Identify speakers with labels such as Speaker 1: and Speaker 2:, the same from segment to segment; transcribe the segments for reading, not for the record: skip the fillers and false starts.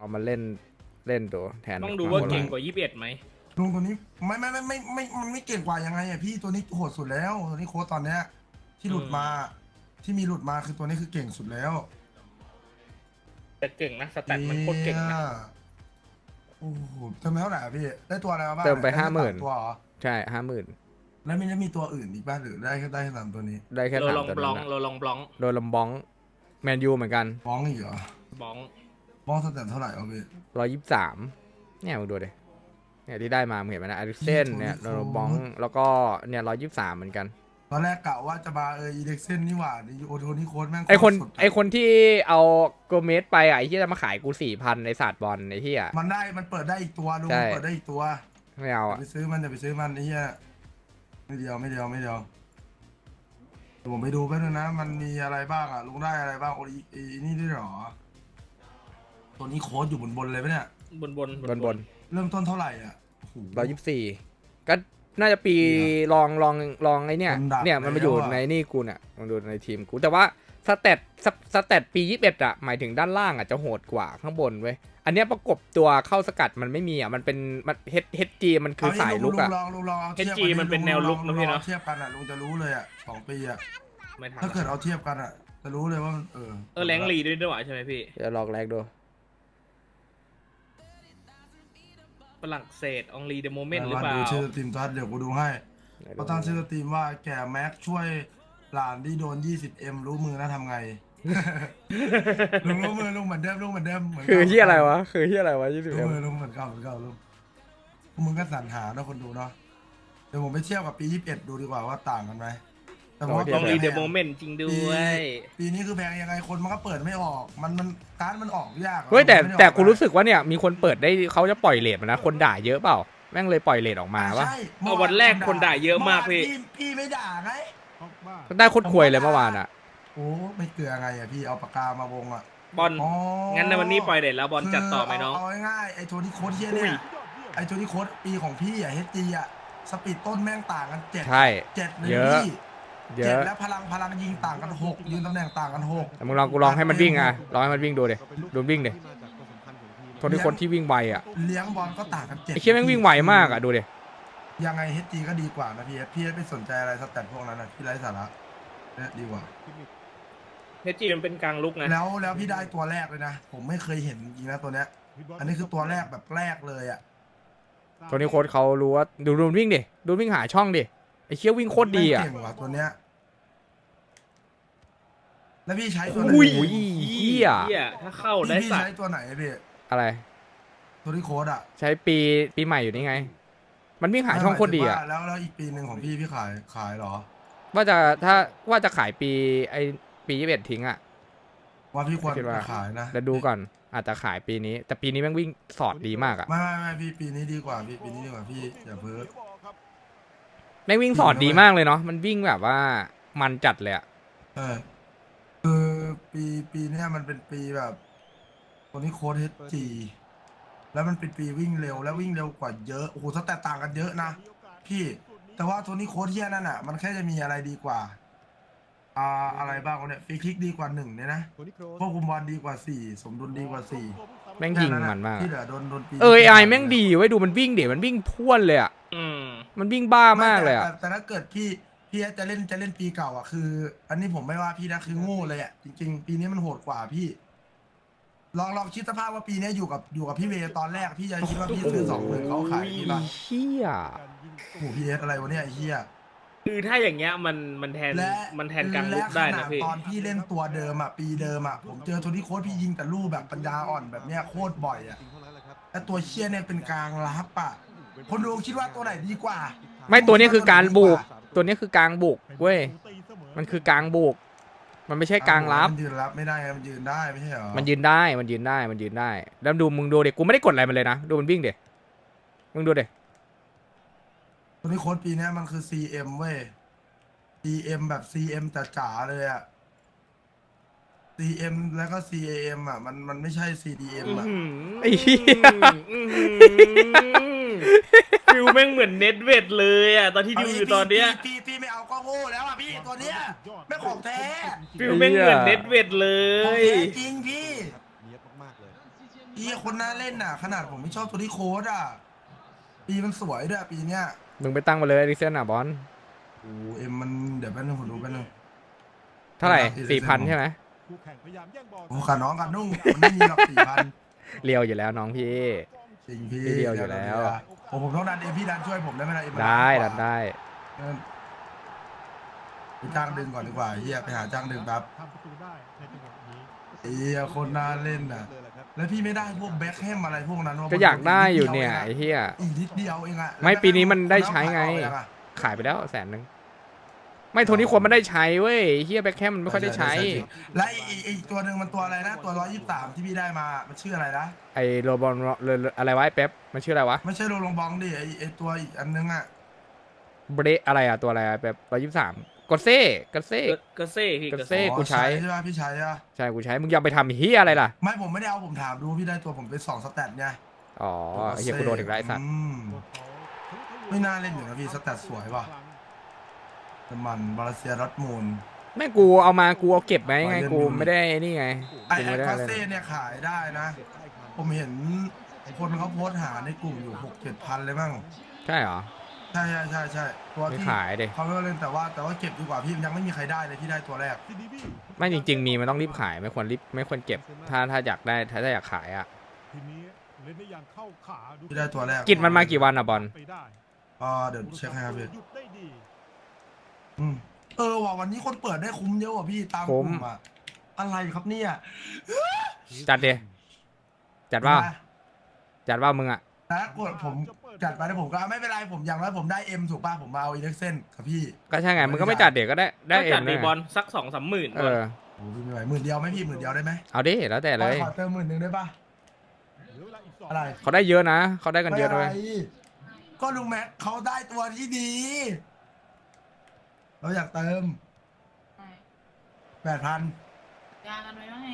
Speaker 1: เอามาเล่นเล่นตัวแทน
Speaker 2: ต้องดูว่าเก่งกว่า21ไหม
Speaker 3: ลุงตัวนี้ไม่มันไม่เก่งกว่ายังไงอะพี่ตัวนี้โหดสุดแล้วตัวนี้โค้ดตอนเนี้ยที่หลุดมาที่มีหลุดมาคือตัวนี้คือเก่งสุดแล้ว
Speaker 2: แต่เก่งนะสแตทมันโคตรเก่งนะ
Speaker 3: โอ้โหเติมไปเท่าไหร่อะพี่ได้ตัวอะไรมาบ้าง
Speaker 1: เติมไป
Speaker 3: ด้
Speaker 1: 50,000
Speaker 3: ตัวเหรอ
Speaker 1: ใช่50,000
Speaker 3: แล้วมีตัวอื่นอีกบ้างหรือได้แค่สามตัวนี้
Speaker 1: ได้แค่
Speaker 2: โร
Speaker 1: สาม
Speaker 2: ลอง
Speaker 1: ตัว
Speaker 2: บล็
Speaker 1: นั้
Speaker 2: อง
Speaker 1: นนะ
Speaker 2: โรลองบล็อง
Speaker 1: โดนลำบ้องแมนยูเหมือนกัน
Speaker 3: บ้องอีกเหรอบ
Speaker 2: ล็อง
Speaker 3: บ้องสแตนเท่าไหร่เอาพี่
Speaker 1: 123เนี่ยมึงดูดิเนี่ยที่ได้มามึงเห็นไหมนะอาริเซนเนี่ยโดนลำบ้องแล้วก็เนี่ย123เหมือนกัน
Speaker 3: ตอนแรกกะว่าจะมาอีเด็กเส้นนี่หว่าโอโทนี่โค้ดแม่ง
Speaker 1: ไอคน
Speaker 3: สุดอะ
Speaker 1: ไอคนที่เอาโกเมสไปอ่ะไอที่จะมาขายกู4,000ในศาสตร์บอลไอที่อ่ะ
Speaker 3: มันเปิดได้อีกตัวลุง
Speaker 1: ใช่
Speaker 3: มันเปิดได้อีกตัว
Speaker 1: ไม่เอา
Speaker 3: อย่า
Speaker 1: อ่ะ
Speaker 3: ไปซื้อมันไอ้เหี้ยไม่เดียวเดี๋ยวผมไปดูแป๊บนึงนะมันมีอะไรบ้างอ่ะลุงได้อะไรบ้างโอ้ยนี่ด้วยเหรอตัวนี้โค้ดอยู่บนเลยปะเนี่ย
Speaker 2: บน
Speaker 1: บน
Speaker 3: เริ่มต้นเท่าไหร่อ่ะโอ้โห
Speaker 1: 124ก็น่าจะปีลองไอเนี่ย
Speaker 3: คนดัก
Speaker 1: เนี่ยมันมาอยู่
Speaker 3: แล้วอะ
Speaker 1: ในนี่กูเนี่ยมันดูในทีมกูแต่ว่าสเตตปี21อ่ะหมายถึงด้านล่างอ่ะจะโหดกว่าข้างบนเว้ยอันเนี้ยประกบตัวเข้าสกัดมันไม่มีอ่ะมันเป็นมันเฮดจีมันคือสายลุกอ่ะ
Speaker 3: ลุงลองเอา
Speaker 2: เฮ
Speaker 3: เทียบ
Speaker 2: จีมันเป็นแนวลุกนะพี่เนาะ
Speaker 3: เทียบกันอ่ะลุงจะรู้เลยอ่ะ2 ปีอ่ะ
Speaker 2: ไม่ทัน
Speaker 3: ถ้าเกิดเอาเทียบกันอ่ะจะรู้เลยว่ามัน
Speaker 2: แรงลีด้วยใช่ไหมพี่
Speaker 1: จะลองแรกดู
Speaker 2: ฝรั่งเศสอองลีเดโมเมนต์หรือเปล่า
Speaker 3: ดูชื่อสตรีมทัศน์เดี๋ยวกูดูให้เขาตั้งชื่อสตรีมว่าแก่แม็กช่วยหลานที่โดน 20M รู้มือนะทำไง ลุงรู้มือลุงเหมือนเดิมเหมือน
Speaker 1: คือที่อะไรวะ20
Speaker 3: รู้มือลุงเหมือนเก่าลุงพวกมึงก็สรรหาเนาะคนดูเนาะเดี๋ยวผมไปเทียบกับปี21ดูดีกว่าว่าต่างกันไหมแต่ผมว่า
Speaker 2: อองลีเดโมเมนต์จริงด้วย
Speaker 3: ปีนี้คือแพงยังไงคนมันก็เปิดไม่ออกมันการ์ดมันออกยากอะ
Speaker 1: เฮ้ยแต่
Speaker 3: มันไม่ได้ออ
Speaker 1: แต่กูรู้สึกว่าเนี่ยมีคนเปิดได้เขาจะปล่อยเลทมานะคนด่าเยอะเปล่าแม่งเลยปล่อยเลทออกมาว่า
Speaker 3: ใช่
Speaker 2: วันแรกคนด่าเยอะมากพี่
Speaker 3: พี่ไม่ด่าไง
Speaker 1: ได้โคตรควยเลยเมื่อวานอ่ะ
Speaker 3: โอ้ไม่เกลือไงอ่ะพี่เอาปากกามาวงอ่ะ
Speaker 2: บอล
Speaker 3: อ๋อ
Speaker 2: งั้นในวันนี้ปล่อยเด็ดแล้วบอลจัดต่อไหมน้อง
Speaker 3: เอาง่ายๆไอ้โทนี่โค้ดเฮียเนี่ยไอ้โทนี่โค้ดปีของพี่อ่ะเฮจีอ่ะสปีดต้นแม่งต่างกัน7
Speaker 1: ใช่
Speaker 3: 7เลย
Speaker 1: เยอะ
Speaker 3: พี่
Speaker 1: เย
Speaker 3: 7
Speaker 1: อะ
Speaker 3: แล้วพลังยิงต่างกัน6ยืนตำแหน่งต่างกัน6
Speaker 1: แต่มึงลองกูลองให้มันวิ่งอ่ะลองให้มันวิ่งดูดิดูวิ่งดิคนที่วิ่งไวอ่ะ
Speaker 3: เลี้ยงบอลก็ต่างกัน7
Speaker 1: ไอ้เชี่ยแม่งวิ่งไวมากอ่ะดูดิ
Speaker 3: ยังไงเฮจีก็ดีกว่านะพี่ไม่สนใจอะไรสแตทพวกนั้นนะพี่ไร้สาระเนี่ยดีกว่า
Speaker 2: เฮจีมันเป็นกลางลุกนะ
Speaker 3: แล้วพี่ได้ตัวแรกเลยนะผมไม่เคยเห็นจริงนะตัวเนี้ยอันนี้คือตัวแรกแบบแรกเลยอ่ะ
Speaker 1: ตัวนี้โค้ชเขารู้ว่าดูวิ่งดิดูวิ่งหาช่องดิไอ้เชี่ยวิ่งโคตรดีอ่ะ
Speaker 3: แม่งเก่งว่ะตัวเนี้ยแล้วพี่ใช้ตัวไหน
Speaker 1: อุ้ยเหี้ย
Speaker 2: ถ้าเข้าได้
Speaker 3: พี่
Speaker 2: สัต
Speaker 3: ใช้
Speaker 2: ว์
Speaker 3: ตัวไหนพี่
Speaker 1: อะไร
Speaker 3: ตัวที่โค้ดอ่ะ
Speaker 1: ใช้ปีใหม่อยู่นี่ไง มันวิ่งหาช่องโคตรดีอ่ะ
Speaker 3: แล้วอีกปีหนึ่งของพี่ขายเหรอ
Speaker 1: ว่าจะขายปี21ทิ้งอ่ะ
Speaker 3: ว่าพี่ควร
Speaker 1: คิดว่า
Speaker 3: ขายนะ
Speaker 1: แล้วดูก่อนอาจจะขายปีนี้ แต่ปีนี้แม่งวิ่งสอดดีมากอ่ะ
Speaker 3: ไม่พี่ปีนี้ดีกว่าพี่ปีนี้ดีกว่าพี่อย่าเพ้อ
Speaker 1: แม่งวิ่งสอดดีมากเลยเนาะมันวิ่งแบบว่ามันจัดเลยอ่ะ
Speaker 3: เออคือปีเนี้ยมันเป็นปีแบบตัวนี้โค้ดเฮจีแล้วมันเป็นปีวิ่งเร็วแล้ววิ่งเร็วกว่าเยอะโอ้โหถ้าแตกต่างกันเยอะนะพี่แต่ว่าตัวนี้โค้ดเฮียนั่นอ่ะมันแค่จะมีอะไรดีกว่าอะไรบ้างวะเนี่ยฟรีคิกดีกว่า1เนี่ยนะควบคุมบอลดีกว่า4สมดุลดีกว่า4
Speaker 1: แม่งยิงมันมาก
Speaker 3: ที่เหลือโดนปี
Speaker 1: ไอแม่งดีไว้ยดูมันวิ่งเดี๋ยวมันวิ่งพ่วนเลยอ่ะ
Speaker 2: อืม
Speaker 1: มันวิ่งบ้ามากเลยอ่ะ
Speaker 3: แต่ถ้าเกิดพี่จะเล่นปีเก่าอ่ะคือ อันนี้ผมไม่ว่าพี่นะคือโง่เลยอ่ะจริงๆปีนี้มันโหดกว่าพี่ลองคิดสภาพว่าปีนี้อยู่กับพี่เวตอนแรกพี่จะคิดว่าพี่ซื้อ20,000เขาขายพี่ป่ะ
Speaker 1: เฮีย
Speaker 3: โอ้โหพีเอสอะไรวะเนี่ยไอ้เหี้ย
Speaker 2: คือถ้าอย่างเงี้ยมันแทน
Speaker 3: และ
Speaker 2: กลางลุกได้นะพี่
Speaker 3: ตอนพี่เล่นตัวเดิมอ่ะปีเดิมอ่ะผมเจอโทนี่โค้ดพี่ยิงแต่ลูกแบบปัญญาอ่อนแบบเนี้ยโคตรบ่อยอ่ะแต่ตัวเชี่ยเนี่ยเป็นกลางรับอ่ะคนดูคิดว่าตัวไหนดีกว่า
Speaker 1: ไม่ตัวนี้คือการบุกตัวนี้คือกลางบุกเว้ยมันคือกลางบุกมันไม่ใช่กลางรับ
Speaker 3: มันยืนรับไม่ได้ไงมันยืนได้ไม่ใช่เหรอ
Speaker 1: มันยืนได้แล้วดูมึงดูเด็กกูไม่ได้กดอะไรมันเลยนะดูมันวิ่งเด็กมึงดูเด็ก
Speaker 3: ตัวนี้โค้ดปีเนี้ยมันคือ CM เว้ย CM แบบ CM จ๋าๆเลยอ่ะ CM แล้วก็ CAM อ่ะมันไม่ใช่ CDM อ่ะ
Speaker 1: ไอ้เหี้ย
Speaker 2: ฟิลแม่งเหมือนเน็ตเวทเลยอ่ะตอนที่ดูอยู่ตอนเนี้ย
Speaker 3: พี่ไม่เอาก็โง่แล้วอ่ะพี่ตัวเนี้ยไม่ของแท้
Speaker 2: ฟิลแม่งเหมือนเน็ตเวทเล
Speaker 3: ของ
Speaker 2: ย
Speaker 3: แท้จริงพี่
Speaker 4: เนียบมากๆเลย
Speaker 3: คนน่าเล่นน่ะ ขนาดผมไม่ชอบตัวที่โค้ดอ่ะปีมันสวยด้วยปีเนี้ย
Speaker 1: มึงไปตั้งมาเลยดิเซนอ่ะบอล
Speaker 3: โอ้เอ็มมันเดี๋ยวแป๊บนึงผมดูแป๊บนึง
Speaker 1: เท่าไหร่
Speaker 3: เออ
Speaker 1: 4,000ใช่ไหม
Speaker 4: คู่แข่งพยายามแย่งบอล
Speaker 3: โอ้ขาน้องกันนุ่งมันไม่มีหรอก4,000
Speaker 1: เรียวอยู่แล้วน้องพี่
Speaker 3: จริงพี่
Speaker 1: พี่เดียวอยู่แล้ว
Speaker 3: ผมต้องดันเอ็มพี่ดันช่วยผมได้ไหมล่ะเอ็มมัน
Speaker 1: ได้
Speaker 3: กว่า
Speaker 1: ได้
Speaker 3: ไปจ้างดึงก่อนดีกว่าเฮียไปหาจ้างดึงแป๊บ
Speaker 4: ทำประตูได้ในจังหวะนี้
Speaker 3: เฮียคนน่าเล่นน่ะ แล้วพี่ไม่ได้พวกแบ็คแฮมอะไรพวกนั้นวะ
Speaker 1: ก็อยากได้อยู่เนี่ยไอ้เหี้ย
Speaker 3: อีกนิดเดียวเองอะ
Speaker 1: ไม่ปีนี้มันได้ใช้ไง
Speaker 3: แล้วก็
Speaker 1: ขายไปแล้ว100,000ไม่โทนี่ควรมันได้ใช้เว้ยเฮียแบ็คแคมมันไม่ค่อยได้ใช้
Speaker 3: และอีกตัวหนึ่งมันตัวอะไรนะ ตัว123ที่พี่ได้มามันชื่ออะไรนะ
Speaker 1: ไอโรบอลอะไรวะไอเป๊ปมันชื่ออะไรวะ
Speaker 3: ไม่ใช่โรลงบองดิไอตัวอีกอันนึงอะ
Speaker 1: เบรอะไรอะตัวอะไรอะแบบ123กดเซ่กดเซ่
Speaker 2: ก็เซ่พี่
Speaker 1: ก็
Speaker 2: ก็
Speaker 1: เซ่
Speaker 2: เซ่
Speaker 1: กูใช้
Speaker 3: ใช่ป่ะพี่ใช้อะ
Speaker 1: ใช่กูใช้มึงยังไปทำเฮียอะไรล่ะ
Speaker 3: ไม่ผมไม่ได้เอาผมถามดูพี่ได้ตัวผมเป็น2 สแตทไง
Speaker 1: อ๋อเฮียกูโดนถึงไรสัตว์
Speaker 3: ไม่น่าเล่นอยู่นะพี่สแตทสวยว่ะแต่มันบาลาเซียดอร์ทมูล
Speaker 1: แม่งกูเอามากูเอาเก็บไว้ไง
Speaker 3: ไว้เล่น
Speaker 1: กู
Speaker 3: อยู่
Speaker 1: ไม่ได้นี่ไง
Speaker 3: ไอ้
Speaker 1: กูไม่ได้
Speaker 3: คา
Speaker 1: อะไร
Speaker 3: เซ่เนี่ยขายได้นะ ผมเห็นคนเขาโพสต์หาในกลุ่มอยู่6-7 พันเลยมั้ง
Speaker 1: ใช่เหรอ
Speaker 3: ใช่ตัว
Speaker 1: ไม่
Speaker 3: ที่
Speaker 1: ขายดิ
Speaker 3: เขาไม่เล่นแต่ว่าเก็บดีกว่าพี่ยังไม่มีใครได้เลยที่ได้ตัวแรก
Speaker 1: ไม่จริง ๆ มีมันต้องรีบขายไม่ควรเก็บถ้าอยากได้ถ้าอยากขายอะ
Speaker 4: ทีนี้เล่นได้อย่างเข้าขาดู
Speaker 3: ที่ได้ตัวแรก
Speaker 1: กิจมันมากี่วันอะบอล
Speaker 4: ไปได้
Speaker 3: เดี๋ยวเช็คให้ครับพี่
Speaker 4: หยุดได้ดี
Speaker 3: ว่ะวันนี้คนเปิดได้คุ้มเยอะว่ะพี่ตามกลุ่มอะอะไรครับเนี่ย
Speaker 1: จัดดิจัดว่าจัดว่ามึงอะ
Speaker 3: นะกดผมจัดไปแล้วผมก็ไม่เป็นไรผมอย่างน้อยผมได้เอ็มถูกป่ะผมมาเอาอีเล็กเซนกับพี่
Speaker 1: ก็ใช่ไงมึงก็ไม่จัดเด็กก็ได้
Speaker 2: ก็
Speaker 1: เอ็
Speaker 2: จัด
Speaker 1: ม
Speaker 2: ดี
Speaker 1: เลย
Speaker 2: บอลสัก2-3 หมื่น
Speaker 1: เออ
Speaker 3: โอ้พี่ไม่ไหว10,000ไหมพี่10,000ได้ไหม
Speaker 1: เอาดิแล้วแต่เลย
Speaker 3: ขอเติม10,000ได้ป่ะ
Speaker 4: เหลือเวลาอีก2
Speaker 3: อะไร
Speaker 1: เขาได้เยอะนะเขาได้กันเยอะด้วย
Speaker 3: ไม่ไรก็ลุงแม็กเขาได้ตัวที่ดี เราอยากเติม 8,000
Speaker 5: ยากันไว้ว่าไง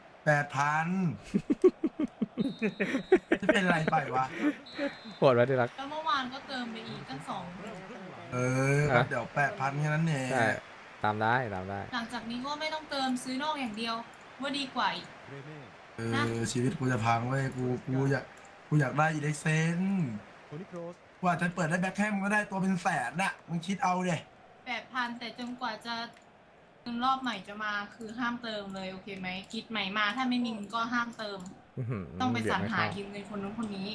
Speaker 3: 8,000 จะเป็นไรไปวะ
Speaker 1: โหดไว้ที่รัก
Speaker 5: แล้วเมื่อวานก็เติมไปอีกตั้ง2
Speaker 3: ก็เดี๋ยว 8,000แค่นั้นเอง
Speaker 1: ใช่ตามได้
Speaker 5: หลังจากนี้ก็ไม่ต้องเติมซื้อนอกอย่างเดียว ว่าดีกว่าอีก
Speaker 3: ชีวิตกูจะพังเว้ยกูอยากได้อีเล็กเซน
Speaker 4: โทนี่โครส
Speaker 3: ว่าจะเปิดได้แบ็คแฮมก็ได้ตัวเป็นแสนน่ะมึงคิดเอาเดย
Speaker 5: 8,000 แต่จนกว่าจะเงินรอบใหม่จะมาคือห้ามเติมเลยโอเคไหมคิดใหม่มาถ้าไม่มีเงินก็ห้ามเติม ต้องไปสรรหายืมเงินคนนู้นคนนี้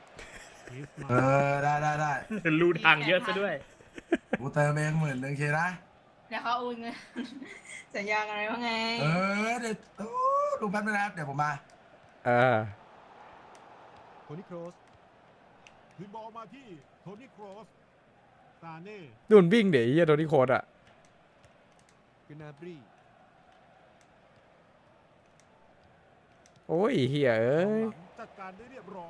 Speaker 3: ได้
Speaker 2: รูทางเยอะซะด้วย
Speaker 3: กูเติมเอง10,000เคนะ
Speaker 5: แล้วเขาโอนเงิน สัญญากันไว้ว่าไง
Speaker 3: เดี๋ยวดูแป๊บนึงนะครับเดี๋ยวผมมา
Speaker 1: เออ
Speaker 4: โทนี่โครสคืนบอลมาที่โทนี่โครสซาเน่
Speaker 1: ดุนวิ่งเดี๋ยวไอ้เฮียโดนที่โคตรอะ
Speaker 4: กนาบรี
Speaker 1: โอ้ยเฮียเอ้ย
Speaker 4: จัดการได้เรียบร้อย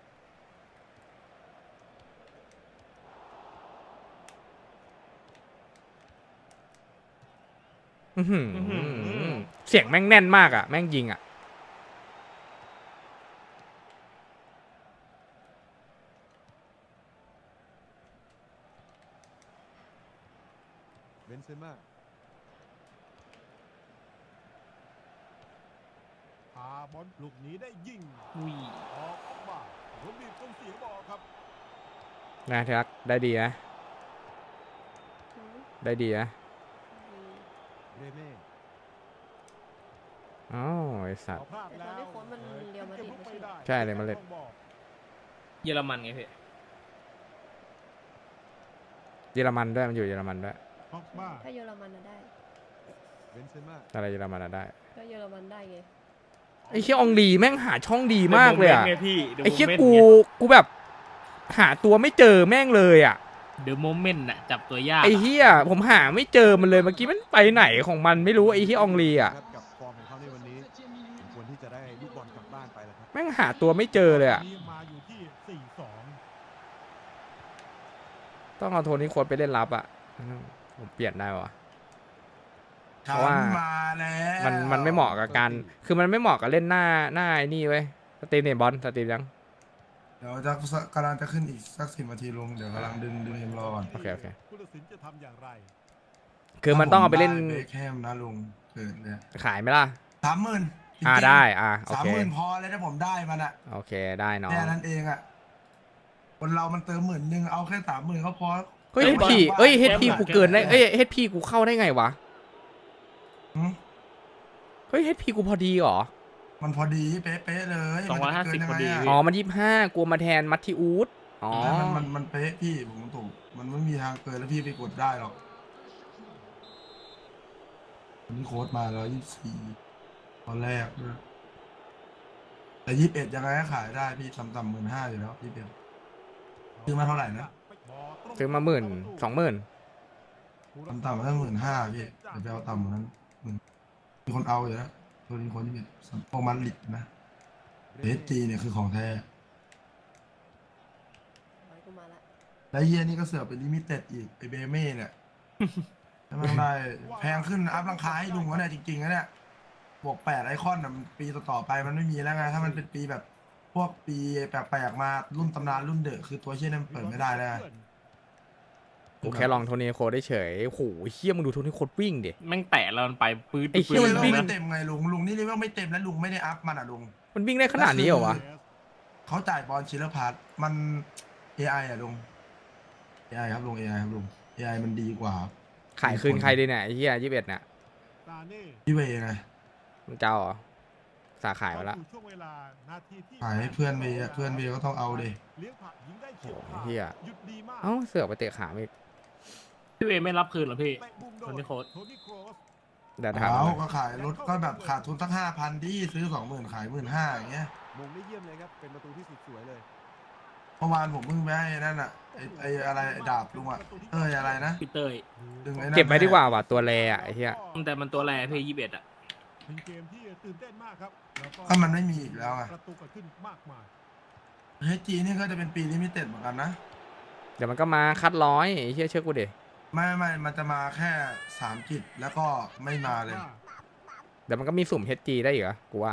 Speaker 1: อื้อหือ
Speaker 2: อื้อหือ
Speaker 1: เสียงแม่งแน่นมากอะแม่งยิงอะ
Speaker 4: เบนเซม่าพาบอลลูกนี้ได้ยิง
Speaker 2: อุ้ย
Speaker 4: ออกมาคนบีบต้องเสียบอลครับ
Speaker 1: นะที่รักได้ดีนะได้ดีนะ
Speaker 4: เรเน่
Speaker 1: อ๋อไอสัต
Speaker 4: เอา
Speaker 1: ว์
Speaker 4: พลาดแล้ว
Speaker 6: แต่ตอนนี้โค้ชมันเรียวมาดริดไม่ใช่เหรอ
Speaker 1: ใช่เรียวมาดริด
Speaker 2: เยอรมันไงพี่
Speaker 1: เยอรมันด้วยมันอยู่เยอรมันด้วย
Speaker 4: ออกมา
Speaker 6: ถ้าเยอรมันน่ะได้
Speaker 4: เบนเซม่า
Speaker 1: อะไรเยอรมันอะได้
Speaker 6: ก็เยอรมันได้ไง
Speaker 1: ไอ้เคียอองลีแม่งหาช่องดีมากเลยอะ
Speaker 2: ไงพี่
Speaker 1: ไอ้เคียกูแบบ หาตัวไม่เจอแม่งเลยอะ
Speaker 2: เดอะโมเมนต์น่ะจับตัวยาก
Speaker 1: ไอ้เฮียผมหาไม่เจอมันเลยเมื่อกี้มันไปไหนของมันไม่รู้ไอ้เฮียอองลีอะ
Speaker 4: ครับกับฟอร์มของเขาในวันนี้ควรที่จะได้ลูกบอลกลับบ้านไปแล้วครับ
Speaker 1: แม่งหาตัวไม่เจอเลยอะ
Speaker 4: นี่มาอยู่ที่ 4-2
Speaker 1: ต้องเอาโทนี่โค้ดไปเล่นรับอะผมเปลี่ยนได้วะ เพ
Speaker 3: ฉั
Speaker 1: ราะว่า
Speaker 3: นมาแล้ว
Speaker 1: มันไม่เหมาะกับการคือมันไม่เหมาะกับเล่นหน้าไอ้นี่เว้ยสตรีมเนี่ยบอลสตรีมยัง
Speaker 3: เดี๋ยวกำลังจะขึ้นอีกสัก10 นาทีลุงเดี๋ยวกำลังดึงเอ็มรอก่อน
Speaker 1: โอเคโอเค
Speaker 4: ผู้ตัดสินจะทำอย่างไร
Speaker 1: คือมันต้องเอาไปเล่น
Speaker 3: ผมด้เบคแฮมนะลุงเกิดเนี่ย
Speaker 1: ขายไหมล่ะ
Speaker 3: 30,000 จริงๆ
Speaker 1: ได้โอ
Speaker 3: สาม
Speaker 1: เค
Speaker 3: หมื่นพอเลยถ้าผมได้มันอะ
Speaker 1: โอเคได้น้อง
Speaker 3: แค่นั้นเองอะคนเรามันเติม10,000เอาแค่30,000ก็พอ
Speaker 1: เฮ้ย
Speaker 2: เฮ้ย
Speaker 1: HP
Speaker 2: บอล
Speaker 1: เอ้ย
Speaker 2: แก้ม
Speaker 1: HP
Speaker 2: หลัง
Speaker 1: กูเกินได้
Speaker 2: แก้มหลัง
Speaker 1: เอ้ย HP กูเข้าได้ไงวะ
Speaker 3: หืม
Speaker 1: เฮ้ย HP กูพอดีเหรอ
Speaker 3: มันพอดีเป๊ะๆเลย
Speaker 2: 250
Speaker 3: มันจะไปเกินยังไง
Speaker 2: พอดี
Speaker 3: อะ
Speaker 1: อ๋อ มัน25กลัวมาแทนมัตติอูดอ๋อ
Speaker 3: มันเป๊ะพี่ผมถูกมันไม่มีทางเกินแล้วพี่ไปกดได้หรอกวันนี้โค้ดมา124ตอนแรกด้วยแต่21ยังไงก็ขายได้พี่ต่ำๆ15,000อยู่แล้วพี่เบล ซื้อมาเท่าไหร่นะ
Speaker 1: ซื้อมา10,000 20,000
Speaker 3: ต่ำๆมาตั้ง15,000พี่เดี๋ยวไปเอาต่ำกว่านั้นมีคนเอาอยู่แล้วตัวนี้คนที่เป็นพวกมันลิดนะเอสจีเนี่ยคือของแท้
Speaker 6: ไว้กูมาละ
Speaker 3: และเยียนี่ก็เสือกเป็นลิมิเต็ดอีกไอเบเม่เนี่ยแล้วมันได้แพงขึ้นอัพราคาให้ลุงก็เนี่ยจริงๆนะเนี่ยบวก8ไอคอนน่ะมันปีต่อๆไปมันไม่มีแล้วไงถ้ามันเป็นปีแบบพวกปีแปลกๆมารุ่นตำนานรุ่นเดอะคือตัวเชี่ยนั้นเปิดไม่ได้แล้วไง
Speaker 1: กูแค่ลองโทนี่โคดได้เฉยโอ้โหเฮี้ยมึงดูโทนี่โคดวิ่งดิ
Speaker 2: แม่งแตะแล้วมันไปปื๊ด
Speaker 1: ไอ้เหี้
Speaker 3: เล
Speaker 1: ย
Speaker 3: เว
Speaker 1: มัน
Speaker 3: ล
Speaker 1: วิ่ง
Speaker 3: ไม่เต็มไงลุงนี่เลเวลไม่เต็มแล้วลุงไม่ได้อัพมันอ่ะลุง
Speaker 1: มันวิ่งได้ขนาดนี้เหรอวะ
Speaker 3: เขาจ่ายบอลชิลเลอร์พาร์ทมัน AI อ่ะลุง AI ครับลุง AI ครับลุง AI มันดีกว่า
Speaker 1: ขายคืนใครดีเนี่ยไอ้เฮี้ย21เนี่ย
Speaker 3: พี่เวไง
Speaker 1: มันเจ้าเหรอสาขายไปละ
Speaker 3: ขายให้เพื่อนเวย์อะเพื่อนเวย์ก็ต้องเอาดิ
Speaker 1: เฮี้ยเอ้าเสือกไปเตะขาอีก
Speaker 2: พี่เอไม่รับคืนเหรอพี่ โทนี่โค้ด
Speaker 1: เดี๋ยวถาม
Speaker 3: เอา
Speaker 1: หน่อย
Speaker 3: ก็ขายรถก็แบบขาดทุนตั้ง5,000ดิซื้อ20,000ขาย15,000อย่างเงี้ย
Speaker 4: มงได้เยี่ยมเลยครับ เป็นประตูที่สุดสวยเลย
Speaker 3: เมื่อวานผมเพิ่งไปให้นั่นอ่ะไออะไรไอ้ดาบลุงอ่ะอะไรนะ
Speaker 2: พี่เตย
Speaker 3: ดึงไอ้นั่น
Speaker 1: เก็บไว้ดีกว่าว่ะตัวแรอะไอ้เหี้ย
Speaker 2: แต่มันตัวแรพี่21อ่ะ
Speaker 4: เป็นเกมที่ตื่นเต้นมากครับแล้ว
Speaker 3: ก็มันไม่มีอีกแล้วไง
Speaker 4: ประตูเกิดขึ้นมากมาย
Speaker 3: เฮจีนี่ก็จะเป็นปีลิมิเต็ดเหมือนกันนะ
Speaker 1: เดี๋ยวมันก็มาคัดร้อยไอ้เหี้ยเชื่อกูดิ
Speaker 3: ไม่มันจะมาแค่3กิจแล้วก็ไม่มาเลย
Speaker 1: เดี๋ยวมันก็มีสุ่ม HG ได้อีกเหรอกูว่า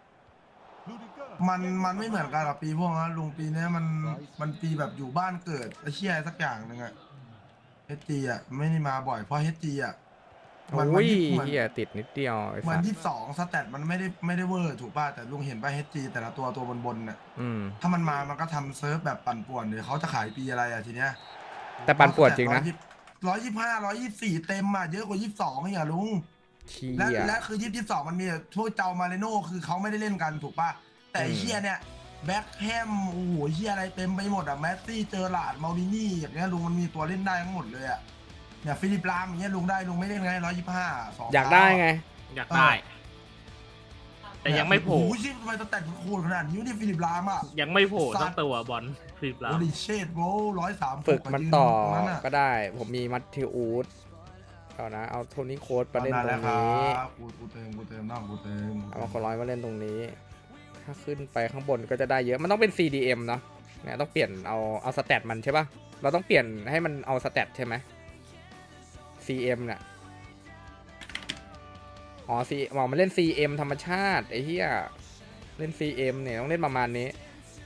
Speaker 3: มันไม่เหมือนกันหรอกปีพวกนั้นลุงปีเนี้ยมันปีแบบอยู่บ้านเกิดไอ้เชี่ยสักอย่างหนึ่งอะเฮจีอะไม่ได้มาบ่อยเพราะเฮจีอะมัน
Speaker 1: โอ้ย
Speaker 3: เหมือน
Speaker 1: เหี้ยติดนิดเดียวไอ้
Speaker 3: เหมื
Speaker 1: สั
Speaker 3: อน
Speaker 1: ส
Speaker 3: 22สแตทมันไม่ได้เวอร์ถูกป่ะแต่ลุงเห็นป่ะเฮจีแต่ละตัวบนน่ะ
Speaker 1: อืม
Speaker 3: ถ้ามันมามันก็ทำเซิร์ฟแบบปั่นป่วนเดี๋ยวเขาจะขายปีอะไรอะทีเนี้ย
Speaker 1: แต่ปันปวดจริงนะ
Speaker 3: 125 124เต็มอะเยอะกว่า22อีกอะลุง
Speaker 1: เชี่
Speaker 3: และ
Speaker 1: ย
Speaker 3: และคือ22มันมีพวกเจ้ามาเรโน่คือเขาไม่ได้เล่นกันถูกป่ะแต่ไอ้
Speaker 1: อืม
Speaker 3: เฮียเนี่ยแบ็คแฮมโอ้โหเฮียอะไรเต็มไปหมดอะแมสซี่เจอร์ลาร์ดมารินี่อย่างเงี้ยลุงมันมีตัวเล่นได้ทั้งหมดเลยอะเนี่ยฟิลิปลามอย่างเงี้ยลุงได้ลุงไม่เล่นไง125 2
Speaker 1: อยากได้ไง
Speaker 2: อยากได้ แต่ยังไม่โผล่
Speaker 3: โอ้ยชิบทำไมตัวแต่งโคตรขนาดนี้นี่ฟิลิปลามอะ
Speaker 2: ยังไม่โผล่
Speaker 3: สั
Speaker 2: สั
Speaker 3: ต
Speaker 2: ก
Speaker 3: ว์
Speaker 2: ตัวบอลฟรีบแล้ว
Speaker 3: โอ้ดิเชดโว้130
Speaker 1: ฝึกมันต่อ
Speaker 3: ตรงนั้นอะ
Speaker 1: ก็ได้ ผมมีมัตติอูดเอานะ เอาโทนี่โค้ดมาเล่นตรง
Speaker 3: แล้วครั
Speaker 1: นี้
Speaker 3: บกูเติมน้องกูเติม
Speaker 1: เอาคนร้อยมาเล่นตรงนี้ ถ้าขึ้นไปข้างบนก็จะได้เยอะ มันต้องเป็น CDM เนาะเนี่ยต้องเปลี่ยนเอาสแตทมันใช่ปะเราต้องเปลี่ยนให้มันเอาสแตทใช่ไหม CM เนี่ยอ๋อ มันเล่น CM ธรรมชาติไอ้เหี้ยเล่น CM เนี่ยต้องเล่นประมาณนี้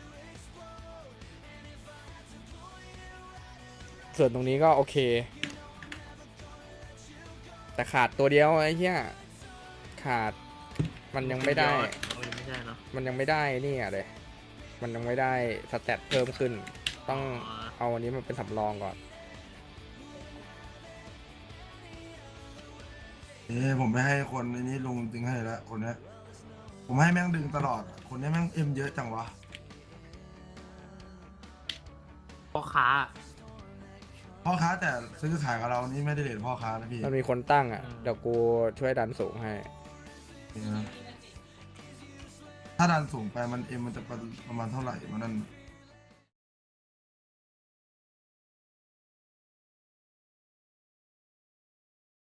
Speaker 1: ส่วนตรงนี้ก็โอเค แต่ขาดตัวเดียวไอ้เหี้ยขาดมันยังไม่ได้
Speaker 2: ไม่ใช่เนาะ
Speaker 1: มันยังไม่ได้นี่อ่ะเลย มันยังไม่ได้สแตทเพิ่มขึ้น ต้องเอาอันนี้มันเป็นสำรองก่อน
Speaker 3: ผมไม่ให้คนในนี้ลุงดึงให้แล้วคนเนี้ยผมให้แม่งดึงตลอดคนเนี้ยแม่งเอ็มเยอะจังวะ
Speaker 2: พ่อค้า
Speaker 3: พ่อค้าแต่ซื้อขายกับเรานี่ไม่ได้เด็ดพ่อค้านะพี่
Speaker 1: มันมีคนตั้งอ่ะ
Speaker 2: อืม
Speaker 1: เดี๋ยวกูช่วยดันสูงให้
Speaker 3: ถ้าดันสูงไปมันเอ็มมันจะประมาณเท่าไหร่มันนั่น